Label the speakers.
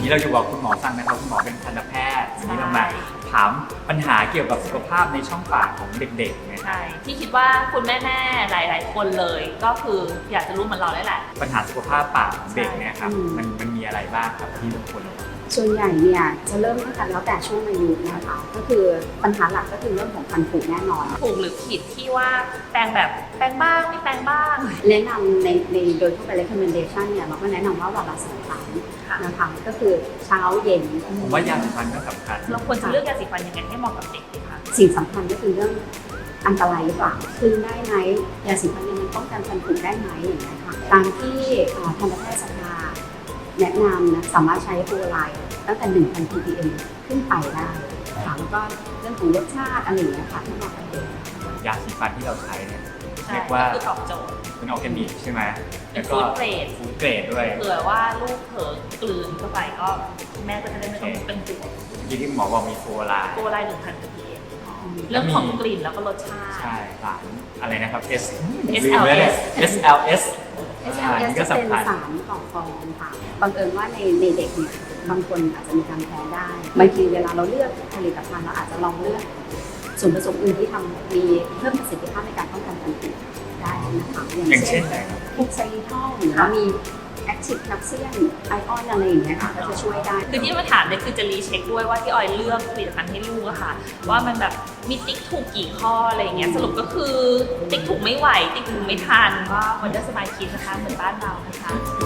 Speaker 1: นี้เราจะบอกคุณหมอสั่งนะครับคุณหมอเป็นทันตแพทย์วันนี้เรามาถามปัญหาเกี่ยวกับสุขภาพในช่องปากของเด็กๆนะครั
Speaker 2: ใช่
Speaker 1: บ
Speaker 2: ที่คิดว่าคุณแม่ๆหลายๆคนเลยก็คืออยากจะรู้เหมือนเราได้แหละ
Speaker 1: ปัญหาสุขภาพปากของเด็กเนี่ยครับมันมีอะไรบ้างครับที่ทุกคน
Speaker 3: ส่วนใหญ่เนี่ยจะเริ่มตั้งแต่แล้วแต่ช่วงอายุนะคะก็คือปัญหาหลักก็คือเรื่องของฟันผุแน่นอน
Speaker 2: ถูกหรือผิดที่ว่าแปรงแบบแปรงบ้างไม่แปรงบ้าง
Speaker 3: แนะนำในโดยทั่วไป recommendation เนี่ยเราก็แนะนำว่าวันละ2 ครั้งนะคะก็คือเช้าเย็น
Speaker 1: ผมว่ายาสีฟันก็สำคัญ
Speaker 2: เราควรจะเลือกยาสีฟันยังไงให้เหมาะกับเด็กดีคะ
Speaker 3: สิ่งสำคัญก็คือเรื่องอันตรายหรือเปล่าคืนได้ไหมยาสีฟันเนี่ยมันป้องกันฟันผุได้ไหมอย่างเงี้ยค่ะตามที่ทันตแพทยสภาแนะนำนะสามารถใช้ฟลูออไรด์ตั้งแต่ 1,000 ppm ขึ้นไปได้ค่ะแล้วก็เรื่องของรสชาติอะไรอย่างเงี้ยค่ะที่เหมาะกับเด็ก
Speaker 1: ยาสีฟันที่เราใช้เนี่ย
Speaker 2: ใช่
Speaker 1: เรียกว่า
Speaker 2: คือตอบโจทย์
Speaker 1: เป็นออร์แกนิกใช่ไหม
Speaker 2: เป็น
Speaker 1: แล้วก็
Speaker 2: food grade
Speaker 1: ฟู้ดเกรดด้วย
Speaker 2: เผื่อว่าลูกเผลอกลืนเข้าไปก็แม่ก็จะได้ไม่ต้องเป็นห่วง
Speaker 1: ที่ที่หมอบอกมีโฟลาร์
Speaker 2: โกไลน์1,000 ppm เรื่องของกลิ่นแล้วก็รสชาติ
Speaker 1: ใช่สารอะไรนะครับ
Speaker 2: SLS
Speaker 1: ลืมไปเลย SLS
Speaker 3: SLS
Speaker 1: นี่ก็
Speaker 3: จะเป็น
Speaker 1: สำคัญ
Speaker 3: สารก่อฟองค่ะบังเอิญว่าในเด็กเนี่ยบางคนอาจจะมีการแพ้ได้บางทีเวลาเราเลือกผลิตภัณฑ์เราอาจจะลองเลือกส่วนผสมอื่นที่มีเพิ่มประสิทธิภาพในการป้องกันฟันผุได้นะคะ
Speaker 1: อย่างเช่นอะไรครับ
Speaker 3: พวกไซริทอลหรือว่ามีแอคทีฟแคลเซียมไอออนอะไรอย่างเงี้ยค่ะก็จะช่วยได้
Speaker 2: คือที่มาถามเนี่ยคือจะรีเช็คด้วยว่าที่ออยเลือกผลิตภัณฑ์ให้ลูกอะค่ะ ว่ามันแบบมีติ๊กถูกกี่ข้ออะไรอย่างเงี้ยสรุปก็คือติ๊กถูกไม่ไหวติ๊กถูกไม่ทันก็วันเดอร์สมายคิดนะคะเหมือนบ้านเรานะคะ